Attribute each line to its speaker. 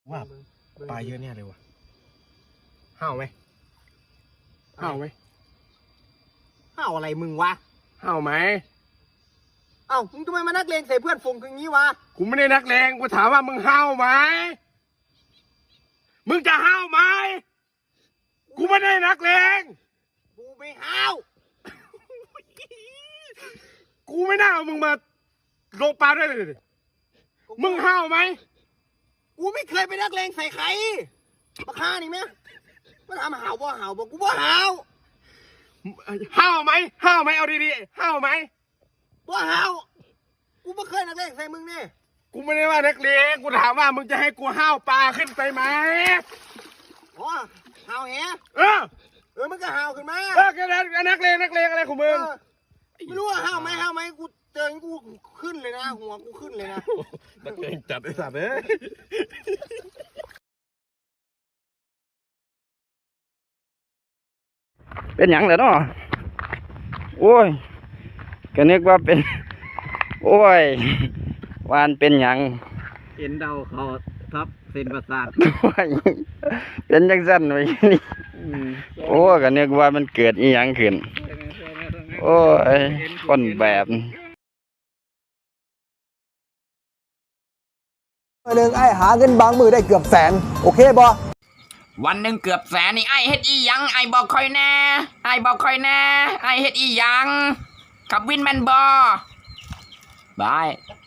Speaker 1: ว่าปลาเยอะแน่เลยวะห้าวไหมห้าวไหมห้าวอะไรมึงวะห้าวไหมเอ้ามึงทำไมมานักเลงใส่เพื่อนฝูงอย่างนี้วะกูไม่ได้นักเลงกูถามว่ามึงห้าวไหมมึงจะห้าวไหมกูไม่ได้นักเลงกูไม่ห้าวกูไม่น่าเอามึงมาลงปลาด้วยเลยมึงห้าวไหมกูไม่เคยไปนักเลงใส่ใครมาฆ่านี่ไหมมาทำห่าวบ่ห่าวบ่กูบ่ห่าวห้าวไหมห้าวไหมเอาดีๆห้าวไหมบ่ห่าวกูไม่เคยนักเลงใส่มึงนี่กูไม่ได้ว่านักเลงกูถามว่ามึงจะให้กูห้าวปลาขึ้นไปไหมอ๋อห่าวแฮมึงก็ห่าวขึ้นมาก็นักเลงอะไรของมึงไม่รู้ว่าห้าวไหมกูเจอกูขึ้นเลยนะหัวกูขึ้นเลยนะนักเลงจัดไอ้สัตว์เอ้ย
Speaker 2: เป็นหยังเลยเนาะโอ้ยก็นึกว่าเป็นโอ้ยวานเป็นหยัง
Speaker 3: เห็นเดาเขาทับเส้นประสาท
Speaker 2: โอ้ยเป็นจังซั่นไว้นี่โอ้ก็นึกว่ามันเกิดอีหยังขึ้นโอ้ยคนแบบ
Speaker 4: หนึ่งไอ้หาเงินบางมือได้เกือบแสนโอเคบ่
Speaker 5: วันหนึ่งเกือบแสนนี่ไอเฮ็ดอีหยังไอบอกคอยแน่ไอบอกคอยแน่ไอเฮ็ดอีหยังขับวินแมนบอบาย